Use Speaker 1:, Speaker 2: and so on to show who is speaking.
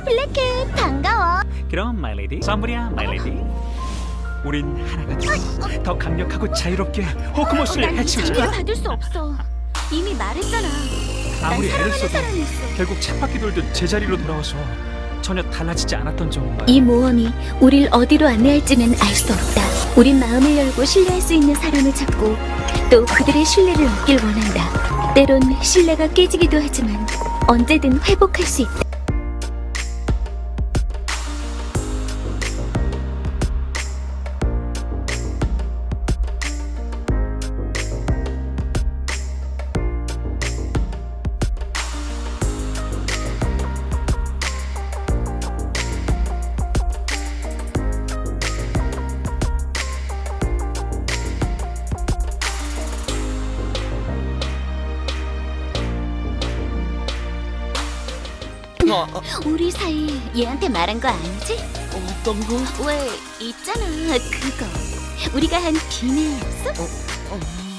Speaker 1: 블랙캣 반가워.
Speaker 2: 그럼 마일레디 선물이야 마일레디. 우린 하나가 돼. 더 강력하고 자유롭게 호크모스를
Speaker 1: 난
Speaker 2: 해치우자.
Speaker 1: 장미를 받을 수 없어. 이미 말했잖아.
Speaker 2: 아무리
Speaker 1: 난
Speaker 2: 애를
Speaker 1: 사랑하는
Speaker 2: 써도
Speaker 1: 사람이 있어.
Speaker 2: 결국 쳇바퀴 돌듯 제자리로 돌아와서 전혀 달라지지 않았던 정말.
Speaker 3: 이 모험이 우릴 어디로 안내할지는 알 수 없다. 우린 마음을 열고 신뢰할 수 있는 사람을 찾고 또 그들의 신뢰를 얻길 원한다. 때론 신뢰가 깨지기도 하지만 언제든 회복할 수 있다.
Speaker 1: 우리 사이 얘한테 말한 거 아니지?
Speaker 2: 어떤 거?
Speaker 1: 왜 있잖아 그거. 우리가 한 비밀 약속?